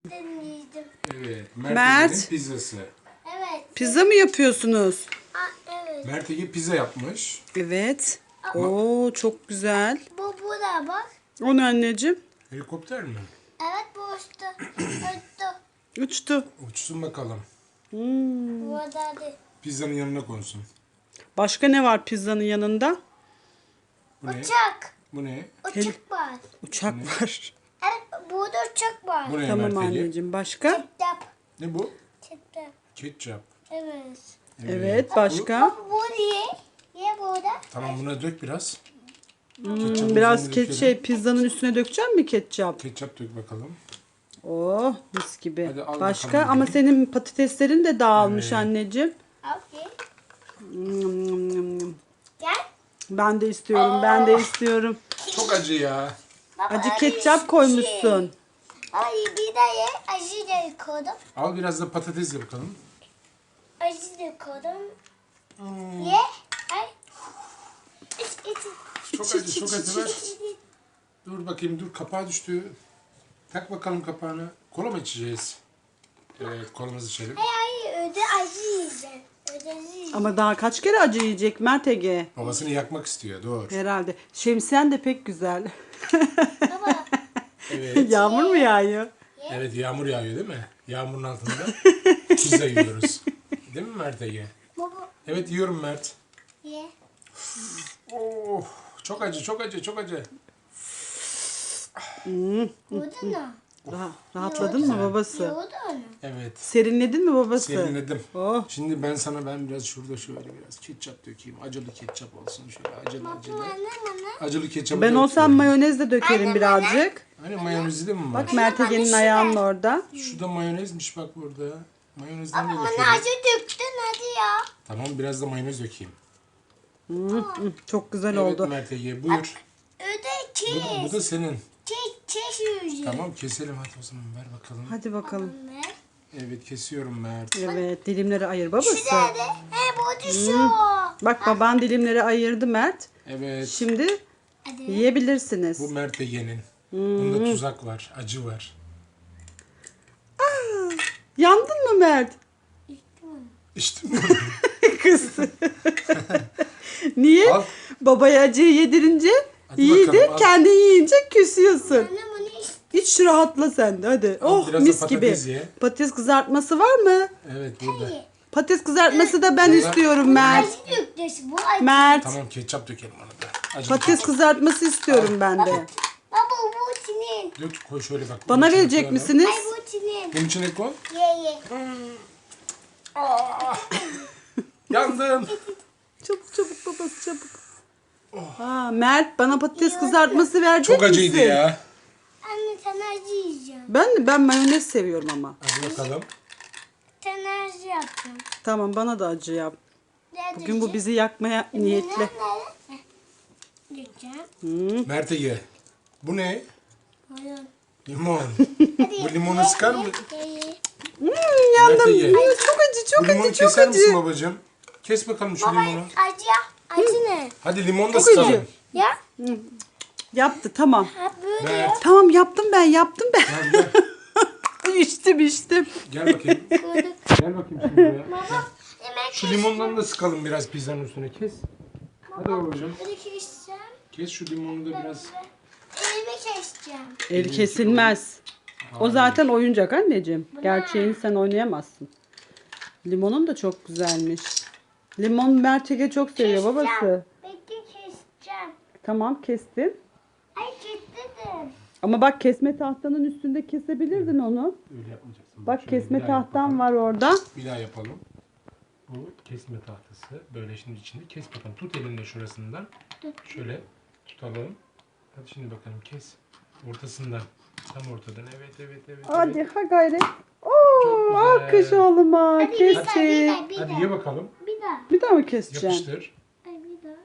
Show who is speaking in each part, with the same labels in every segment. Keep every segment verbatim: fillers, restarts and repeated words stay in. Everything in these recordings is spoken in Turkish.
Speaker 1: Deneyeceğim.
Speaker 2: Evet.
Speaker 3: Mert.
Speaker 2: Mert pizzası.
Speaker 1: Evet.
Speaker 3: Pizza mı yapıyorsunuz?
Speaker 1: Aa, evet.
Speaker 2: Mert Ege pizza yapmış.
Speaker 3: Evet. Oo çok güzel.
Speaker 1: Bu burada bak.
Speaker 3: O ne anneciğim?
Speaker 2: Helikopter mi?
Speaker 1: Evet bu uçtu. Uçtu.
Speaker 3: Uçtu.
Speaker 2: Uçsun bakalım.
Speaker 3: Hmm.
Speaker 1: Burada değil.
Speaker 2: Pizzanın yanına konsun.
Speaker 3: Başka ne var pizzanın yanında?
Speaker 2: Bu ne?
Speaker 1: Uçak.
Speaker 2: Bu ne?
Speaker 1: Uçak var.
Speaker 3: Uçak var.
Speaker 1: Evet burada uçak var.
Speaker 2: Bu ne
Speaker 3: Tamam
Speaker 2: Mert Ege?
Speaker 3: anneciğim. Başka?
Speaker 1: Ketçap.
Speaker 2: Ne bu?
Speaker 1: Ketçap.
Speaker 2: Ketçap.
Speaker 1: Evet.
Speaker 3: Evet başka?
Speaker 1: Baba bu niye? Niye burada?
Speaker 2: Tamam buna dök biraz.
Speaker 3: Hmm, biraz ket şey pizzanın üstüne dökecek mi ketçap?
Speaker 2: Ketçap dök bakalım.
Speaker 3: Oh mis gibi.
Speaker 2: Hadi al
Speaker 3: Başka
Speaker 2: bakalım
Speaker 3: ama
Speaker 2: bir.
Speaker 3: senin patateslerin de dağılmış
Speaker 2: Evet.
Speaker 3: anneciğim.
Speaker 1: Okey.
Speaker 3: Nyam, nyam, nyam, nyam.
Speaker 1: Gel.
Speaker 3: Ben de istiyorum. Ben de istiyorum.
Speaker 2: Çok acı ya.
Speaker 1: Baba,
Speaker 3: Acı
Speaker 1: bir
Speaker 3: ketçap
Speaker 1: şey.
Speaker 3: koymuşsun.
Speaker 1: Ay bir de ye. Acı da koydum.
Speaker 2: Al biraz da patates ye bakalım.
Speaker 1: Acı da koydum.
Speaker 2: Hmm,
Speaker 1: Ye. Ay. İç iç.
Speaker 2: Çok acı, çok acı ver. Dur bakayım, dur kapağı düştü. Tak bakalım kapağını. Kola mı içeceğiz? Evet, kolamızı içelim.
Speaker 1: Ay ay öde acı yiyeceğim. Öde acı yiyeceğim.
Speaker 3: Ama daha kaç kere acı yiyecek Mert Ege?
Speaker 2: Babasını yakmak istiyor, dur.
Speaker 3: Herhalde. Şemsiyen de pek güzel.
Speaker 1: Baba.
Speaker 2: Evet.
Speaker 3: Yağmur mu yağıyor?
Speaker 2: Evet, yağmur yağıyor değil mi? Yağmurun altında pizza yiyoruz. Değil mi Mert Ege?
Speaker 1: Baba.
Speaker 2: Evet, yiyorum Mert.
Speaker 1: Ye.
Speaker 2: Oh, çok acı, çok acı, çok acı.
Speaker 1: Burada mı?
Speaker 3: Rah- rahatladın mı babası?
Speaker 1: Yoğurdu onu.
Speaker 2: Evet.
Speaker 3: Serinledin mi babası?
Speaker 2: Serinledim.
Speaker 3: Oh.
Speaker 2: Şimdi ben sana ben biraz şurada şöyle biraz ketçap dökeyim. Acılı ketçap olsun şöyle acılı acılı.
Speaker 1: Anne bana.
Speaker 2: Acılı ketçap.
Speaker 3: Ben olsam mayonez de dökerim
Speaker 1: Anne,
Speaker 3: birazcık.
Speaker 2: Hani mayonezi de mi var?
Speaker 3: Bak Mert Ege'nin
Speaker 1: şurada.
Speaker 3: ayağının orada.
Speaker 2: Şu da mayonezmiş bak burada. Mayonezden de
Speaker 1: Bana
Speaker 2: dökelim.
Speaker 1: acı döktün hadi ya.
Speaker 2: Tamam biraz da mayonez dökeyim.
Speaker 3: Hı, Çok güzel
Speaker 2: Evet
Speaker 3: oldu.
Speaker 2: Mert Ege buyur.
Speaker 1: Öde
Speaker 2: Bu, da- bu
Speaker 1: kes.
Speaker 2: da senin.
Speaker 1: Kes kes yiyeceğim.
Speaker 2: Tamam keselim hadi o zaman ver bakalım.
Speaker 3: Hadi bakalım.
Speaker 1: Anne.
Speaker 2: Evet kesiyorum Mert.
Speaker 3: Evet dilimleri ayır babası.
Speaker 1: Nerede? He bu düşüyor.
Speaker 3: Bak baban dilimleri ayırdı Mert.
Speaker 2: Evet.
Speaker 3: Şimdi
Speaker 1: Hadi.
Speaker 3: yiyebilirsiniz.
Speaker 2: Bu Mert Ege'nin. Bunda tuzak var. Acı var.
Speaker 3: Yandın mı Mert?
Speaker 2: İşte
Speaker 3: Kız. Niye?
Speaker 2: Al.
Speaker 3: Babaya acıyı yedirince
Speaker 2: Hadi
Speaker 3: yedi,
Speaker 2: bakalım, al.
Speaker 3: kendi yiyince küsüyorsun.
Speaker 1: Anne bunu iç.
Speaker 3: Hiç rahatla sen de hadi.
Speaker 2: Al,
Speaker 3: Oh
Speaker 2: biraz da
Speaker 3: mis gibi.
Speaker 2: patates ye.
Speaker 3: Patates kızartması var mı?
Speaker 2: Evet burada.
Speaker 3: Patates kızartması da ben
Speaker 2: Burada-
Speaker 3: istiyorum Mert.
Speaker 1: Acı döktün. Bu acı.
Speaker 3: Mert.
Speaker 2: Tamam ketçap dökelim ona da. Acılı
Speaker 3: Patates
Speaker 2: ketçap.
Speaker 3: kızartması istiyorum ben de.
Speaker 1: Baba bu senin.
Speaker 2: Dök koy şöyle bak.
Speaker 3: Bana
Speaker 2: Bunun içine
Speaker 3: verecek
Speaker 2: koyalım.
Speaker 3: misiniz?
Speaker 1: Ay bu senin.
Speaker 2: Bunun içine koy.
Speaker 1: Ye ye.
Speaker 2: Yandım.
Speaker 3: Çabuk çabuk babası çabuk. Ha, Mert bana patates kızartması verecek
Speaker 2: Çok acıydı
Speaker 3: misin?
Speaker 2: ya.
Speaker 1: Anne sen acı yiyeceğim.
Speaker 3: Ben de ben mayonez seviyorum ama.
Speaker 2: Hadi bakalım.
Speaker 1: Sen acı yaptın.
Speaker 3: Tamam bana da acı yap.
Speaker 1: Nerede
Speaker 3: Bugün bu
Speaker 1: acı?
Speaker 3: bizi yakmaya niyetli.
Speaker 1: Nerede? Heh. Dökeceğim.
Speaker 2: Mert Ege. Bu ne?
Speaker 1: Buyurun.
Speaker 2: Limon.
Speaker 1: Hadi
Speaker 2: Bu limonu
Speaker 1: ye,
Speaker 2: sıkar
Speaker 1: ye,
Speaker 2: mı?
Speaker 1: ye, ye.
Speaker 3: Hmm, yandım.
Speaker 2: Mert Ege.
Speaker 3: Hmm, çok acı
Speaker 2: Bu
Speaker 3: çok
Speaker 2: limonu
Speaker 3: acı çok
Speaker 2: keser misin
Speaker 3: acı.
Speaker 2: babacığım? Kes bakalım şu
Speaker 1: Baba
Speaker 2: limonu.
Speaker 1: acı ya. Acı ne?
Speaker 2: Hadi limon da
Speaker 3: Çok acı.
Speaker 2: sıkalım.
Speaker 1: Ya.
Speaker 3: Yaptı tamam.
Speaker 1: Ha böyle.
Speaker 2: Mert.
Speaker 3: Tamam yaptım ben yaptım ben.
Speaker 2: Gel gel.
Speaker 3: içtim içtim.
Speaker 2: Gel bakayım.
Speaker 1: Koyduk.
Speaker 2: Gel bakayım şimdi buraya.
Speaker 1: Baba. Yemek
Speaker 2: Şu limondan da sıkalım biraz pizzanın üstüne kes. Hadi babacığım.
Speaker 1: Böyle keseceğim.
Speaker 2: Kes şu limonu da biraz.
Speaker 1: Elimi keseceğim.
Speaker 3: El kesilmez. O zaten oyuncak anneciğim. Gerçeğini sen oynayamazsın. Limonun da çok güzelmiş. Limon Mert Ege çok seviyor babası.
Speaker 1: Bekle keseceğim.
Speaker 3: Tamam kestin.
Speaker 1: Ay kestim.
Speaker 3: Ama bak kesme tahtanın üstünde kesebilirdin onu.
Speaker 2: Öyle yapmayacaksın.
Speaker 3: Bak
Speaker 2: Şöyle
Speaker 3: kesme
Speaker 2: bir daha
Speaker 3: tahtan
Speaker 2: yapalım.
Speaker 3: var orada.
Speaker 2: Bir daha yapalım. Bu kesme tahtası. Böyle şimdi içinde kes bakalım. Tut elinde şurasından. Şöyle tutalım. Hadi şimdi bakalım kes. Ortasından. Tam ortadan. Evet evet evet.
Speaker 3: Hadi
Speaker 2: evet.
Speaker 3: ha gayret.
Speaker 2: Çok
Speaker 3: Oo,
Speaker 2: güzel.
Speaker 3: alkış oğluma.
Speaker 1: Hadi bir
Speaker 3: Kesti.
Speaker 1: daha, bir daha, bir
Speaker 2: Hadi
Speaker 1: daha.
Speaker 2: ye bakalım.
Speaker 1: Bir daha.
Speaker 3: Bir daha mı keseceksin?
Speaker 2: Yapıştır.
Speaker 1: Ay bir daha.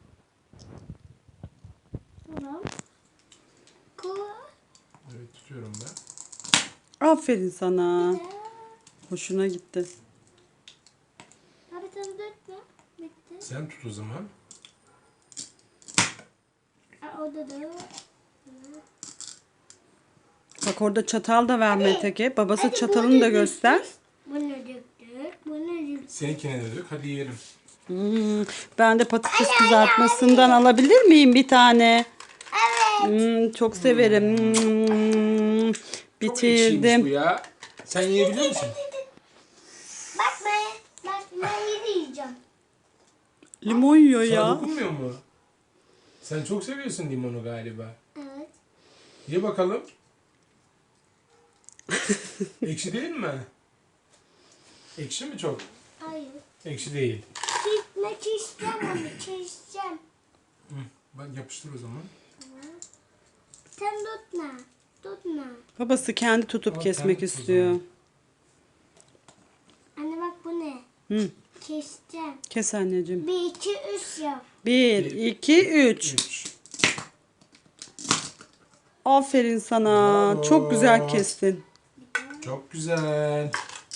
Speaker 1: Tamam. Koy.
Speaker 2: Evet tutuyorum ben.
Speaker 3: Aferin sana.
Speaker 1: Bir daha.
Speaker 3: Hoşuna gitti.
Speaker 1: Abi sen dökme. Bitti.
Speaker 2: Sen tut o zaman.
Speaker 1: Aa, orada da.
Speaker 3: Bak orada çatal da var Metege. Babası
Speaker 1: Hadi
Speaker 3: çatalını
Speaker 1: bunu
Speaker 3: da göster.
Speaker 1: döktük. Bunu döktük. Bunu döktük.
Speaker 2: Seninkine de dök. Hadi yiyelim.
Speaker 3: Hmm, ben de patates kızartmasından alabilir miyim bir tane?
Speaker 1: Evet.
Speaker 3: Hmm, çok severim. Hmm,
Speaker 2: Çok ekşiymiş bu
Speaker 3: bitirdim.
Speaker 2: ya. Sen yiyebiliyor musun?
Speaker 1: Bak ben. Bak ben yedi yiyeceğim.
Speaker 3: Limon yiyor
Speaker 2: Sana
Speaker 3: ya.
Speaker 2: dokunmuyor mu? Sen çok seviyorsun limonu galiba.
Speaker 1: Evet.
Speaker 2: Ye bakalım. Ekşi değil mi? Ekşi mi çok?
Speaker 1: Hayır.
Speaker 2: Ekşi değil.
Speaker 1: Çizme çizeceğim onu çizeceğim.
Speaker 2: Hı, bak yapıştır o zaman.
Speaker 1: Sen tutma. Tutma.
Speaker 3: Babası kendi tutup
Speaker 2: Al,
Speaker 3: kesmek
Speaker 2: kendi tut o
Speaker 3: istiyor.
Speaker 2: zaman.
Speaker 1: Anne bak bu ne?
Speaker 3: Hı,
Speaker 1: Keseceğim.
Speaker 3: kes anneciğim.
Speaker 1: Bir, iki, üç yap.
Speaker 3: Bir, iki, üç.
Speaker 2: Üç.
Speaker 3: Aferin sana.
Speaker 2: Bravo.
Speaker 3: Çok güzel kestin.
Speaker 2: Çok güzel.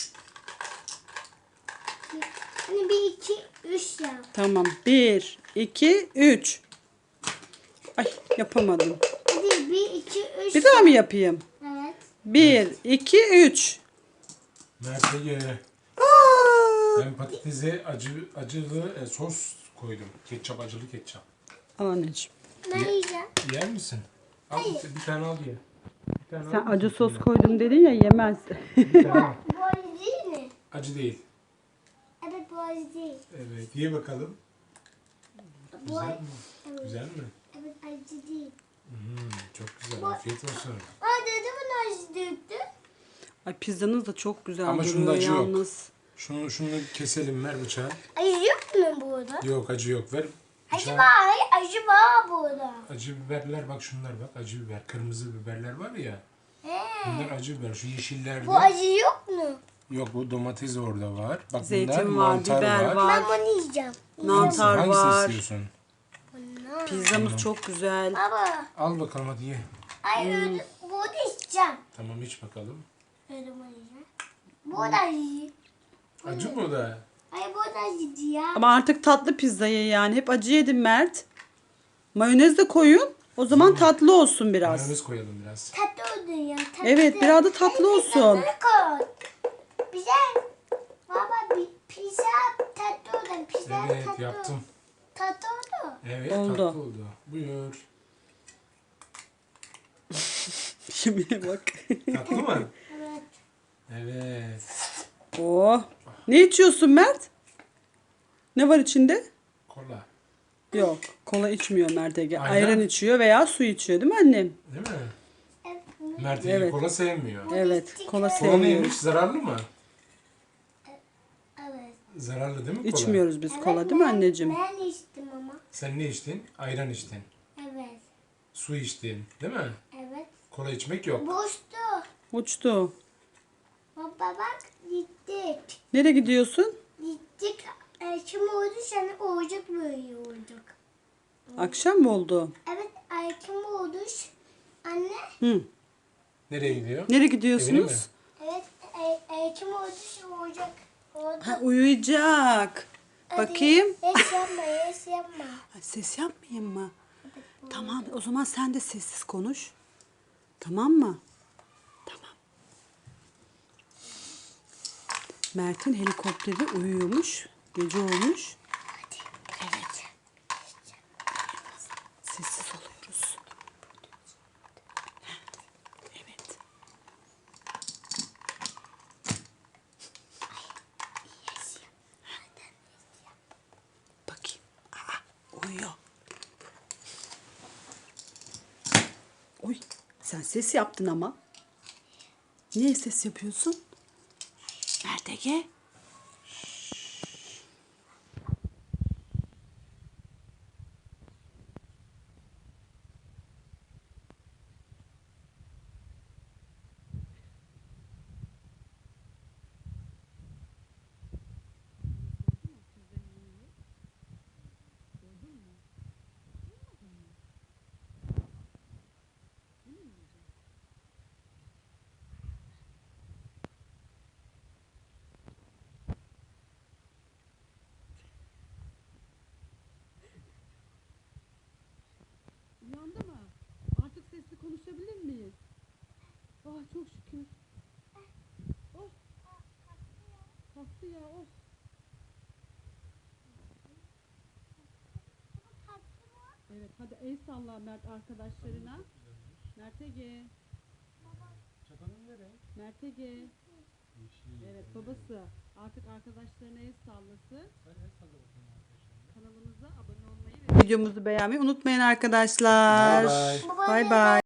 Speaker 1: Anne bir, iki, üç yap.
Speaker 3: Tamam. Bir, iki, üç. Ay yapamadım.
Speaker 1: Hadi bir, iki, üç
Speaker 3: Bir daha mı yapayım?
Speaker 1: Evet.
Speaker 3: Bir, iki, üç.
Speaker 2: Mert'e ye.
Speaker 3: Aa!
Speaker 2: Ben patatese acı, acılı e, sos koydum. Ketçap, acılı ketçap.
Speaker 3: Al anneciğim.
Speaker 1: Ben yiyeceğim.
Speaker 2: Yer misin? Al bir, bir tane al ye. Bir tane
Speaker 3: Sen
Speaker 2: al.
Speaker 3: acı sos koydum dedin ya yemez.
Speaker 2: Bir tane al.
Speaker 1: Bu acı değil mi?
Speaker 2: Acı değil.
Speaker 1: Evet bu acı değil.
Speaker 2: Evet, ye bakalım.
Speaker 1: Bu
Speaker 2: Güzel
Speaker 1: acı.
Speaker 2: mi?
Speaker 1: Evet.
Speaker 2: Güzel mi?
Speaker 1: Evet acı değil.
Speaker 2: Hmm, çok güzel. Afiyet olsun.
Speaker 1: Aa dedemin acı döktü.
Speaker 3: Ay pizzanız da çok güzel
Speaker 2: Ama şunda
Speaker 3: duruyor
Speaker 2: acı yok.
Speaker 3: yalnız.
Speaker 2: Şunu, şunu keselim, ver bıçağı.
Speaker 1: Acı yok mu burada?
Speaker 2: Yok, acı yok. Ver
Speaker 1: Acı
Speaker 2: bıçağı.
Speaker 1: var. Acı var burada.
Speaker 2: Acı biberler, bak şunlar bak. Acı biber. Kırmızı biberler var ya.
Speaker 1: He.
Speaker 2: Bunlar acı biber. Şu yeşillerde.
Speaker 1: Bu acı yok mu?
Speaker 2: Yok, bu domates orada var. Bak
Speaker 3: Zeytin
Speaker 2: bunlar
Speaker 3: var,
Speaker 2: mantar
Speaker 3: biber
Speaker 2: var.
Speaker 3: var.
Speaker 1: Ben bunu yiyeceğim.
Speaker 3: Mantar
Speaker 2: Hangisini
Speaker 3: var.
Speaker 2: istiyorsun?
Speaker 1: Bunlar.
Speaker 3: Pizzamız çok güzel.
Speaker 1: Baba.
Speaker 2: Al bakalım hadi ye.
Speaker 1: Ay öyle. Bu da içeceğim.
Speaker 2: Tamam iç bakalım.
Speaker 1: Öyle bunu yiyeceğim. Bu da acı.
Speaker 2: Acı mı da?
Speaker 1: Ay bu da acı ya.
Speaker 3: Ama artık tatlı pizzayı yani. Hep acı yedim Mert. Mayonez de koyun. O zaman tatlı olsun biraz.
Speaker 2: Mayonez koyalım biraz.
Speaker 1: Tatlı oldun ya. Tatlı.
Speaker 3: Evet biraz da tatlı olsun.
Speaker 1: Tatlı koy. Güzel. Baba bir pizza tatlı oldun. Pizza
Speaker 2: Evet
Speaker 1: tatlı.
Speaker 2: yaptım.
Speaker 1: Tatlı oldu.
Speaker 2: Evet
Speaker 3: Oldu.
Speaker 2: tatlı oldu. Buyur.
Speaker 3: Şimdi bak.
Speaker 2: Tatlı mı?
Speaker 1: Evet.
Speaker 2: Evet.
Speaker 3: Oh. Ne içiyorsun Mert? Ne var içinde?
Speaker 2: Kola.
Speaker 3: Yok. Kola içmiyor Mert Ege.
Speaker 2: Ayran.
Speaker 3: Ayran içiyor veya su içiyor değil mi annem?
Speaker 2: Değil mi?
Speaker 1: Evet.
Speaker 2: Mert Ege
Speaker 3: Evet.
Speaker 2: kola sevmiyor.
Speaker 3: Evet. Kola
Speaker 2: Kola
Speaker 3: sevmiyoruz.
Speaker 2: neymiş? Zararlı mı?
Speaker 1: Evet.
Speaker 2: Zararlı değil mi kola?
Speaker 3: İçmiyoruz biz
Speaker 1: Evet,
Speaker 3: kola değil mi
Speaker 1: ben-
Speaker 3: anneciğim?
Speaker 1: Ben içtim ama.
Speaker 2: Sen ne içtin? Ayran içtin.
Speaker 1: Evet.
Speaker 2: Su içtin. Değil mi?
Speaker 1: Evet.
Speaker 2: Kola içmek yok.
Speaker 1: Boştu.
Speaker 3: Uçtu.
Speaker 1: Baba bak gittik.
Speaker 3: Nereye gidiyorsun?
Speaker 1: Gittik. E, şimdi oldu sana olacak böyle olacak.
Speaker 3: Akşam mı oldu?
Speaker 1: Evet erken oldu. Anne.
Speaker 3: Hı.
Speaker 2: Nereye gidiyor?
Speaker 3: Nereye
Speaker 2: Evine mi?
Speaker 3: gidiyorsunuz?
Speaker 1: Evet e, erken oldu olacak. Oldu.
Speaker 3: Ha, uyuyacak.
Speaker 1: Hadi,
Speaker 3: Bakayım.
Speaker 1: Yes yapma yes yapma.
Speaker 3: Ha, ses yapmayayım mı? Tamam o zaman sen de sessiz konuş. Tamam mı? Tamam. Mert'in helikopteri uyuyormuş. Gece olmuş. Evet. Sessiz oluyoruz. Evet. Bakayım. Aa, uyuyor. Oy, sen ses yaptın ama. Niye ses yapıyorsun? Mert Ege? çok şükür. Oh. Kalktı ya. Oh. Evet hadi el salla Mert arkadaşlarına. Mert Ege.
Speaker 2: Çatalın ne renk?
Speaker 3: Mert Ege.
Speaker 2: Yeşil.
Speaker 3: Evet babası artık arkadaşlarına el sallasın.
Speaker 2: Hadi el salla bakalım arkadaşlar.
Speaker 3: Kanalımıza abone olmayı ve videomuzu beğenmeyi unutmayın arkadaşlar.
Speaker 2: Bye bye.
Speaker 3: Bay bay.